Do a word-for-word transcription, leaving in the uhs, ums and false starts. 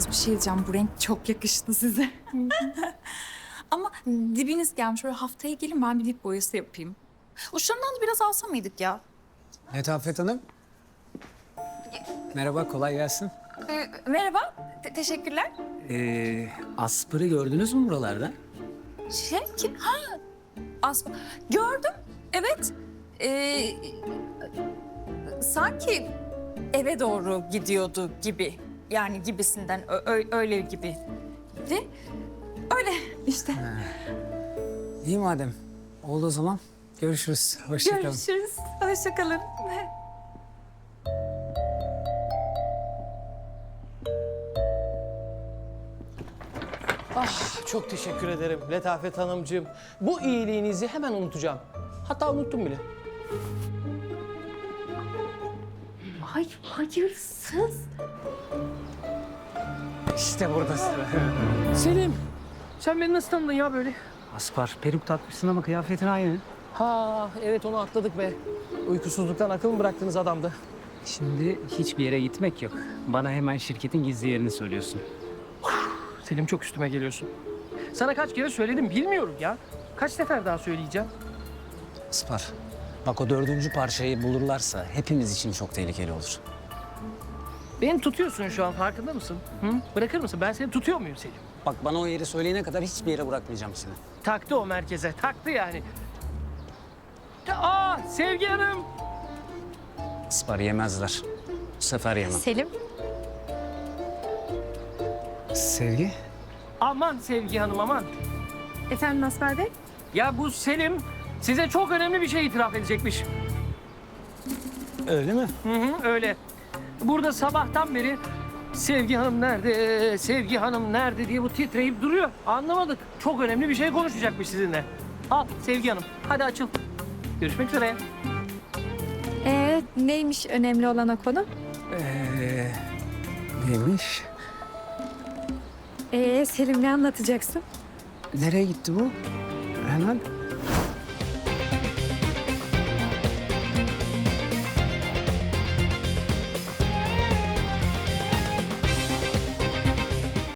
Yalnız bir şey diyeceğim. Bu renk çok yakıştı size. Ama dibiniz gelmiş. Böyle haftaya gelin ben bir dip boyası yapayım. Uçlarından da biraz alsa mıydık ya? Letafet Hanım. Merhaba, kolay gelsin. Ee, merhaba. Te- teşekkürler. Ee, Asper'ı gördünüz mü buralarda? Şey kim? Ha. Asma. Gördüm. Evet. Ee, sanki eve doğru gidiyordu gibi. Yani gibisinden. Ö- ö- öyle gibi. De, öyle işte. İyi madem. Oldu o zaman. Görüşürüz. Hoşça kalın. Görüşürüz. Hoşça kalın. Ah, çok teşekkür ederim Letafet Hanımcığım. Bu iyiliğinizi hemen unutacağım. Hatta unuttum bile. Ay hayırsız. İşte buradasın. Selim, sen beni nasıl tanıdın ya böyle? Aspar, peruk takmışsın ama kıyafetin aynı. Ha, evet onu atladık be. Uykusuzluktan akıl mı bıraktınız adamda? Şimdi hiçbir yere gitmek yok. Bana hemen şirketin gizli yerini söylüyorsun. Selim çok üstüme geliyorsun. Sana kaç kere söyledim bilmiyorum ya. Kaç sefer daha söyleyeceğim? Aspar, bak o dördüncü parçayı bulurlarsa hepimiz için çok tehlikeli olur. Beni tutuyorsun şu an farkında mısın? Hı? Bırakır mısın? Ben seni tutuyor muyum Selim? Bak bana o yeri söyleyene kadar hiçbir yere bırakmayacağım seni. Taktı o merkeze, taktı yani. Aa, Sevgi Hanım. Aspar yemezler. Bu sefer yemem. Selim. Sevgi? Aman Sevgi Hanım aman. Efendim Asfer Bey? Ya bu Selim size çok önemli bir şey itiraf edecekmiş. Öyle mi? Hı hı, öyle. Burada sabahtan beri Sevgi Hanım nerede, Sevgi Hanım nerede diye bu titreyip duruyor. Anlamadık. Çok önemli bir şey konuşacakmış sizinle. Al Sevgi Hanım, hadi açıl. Görüşmek üzere. Ee, neymiş önemli olan o konu? Ee, neymiş? Ee, Selim ne anlatacaksın? Nereye gitti bu? Hemen.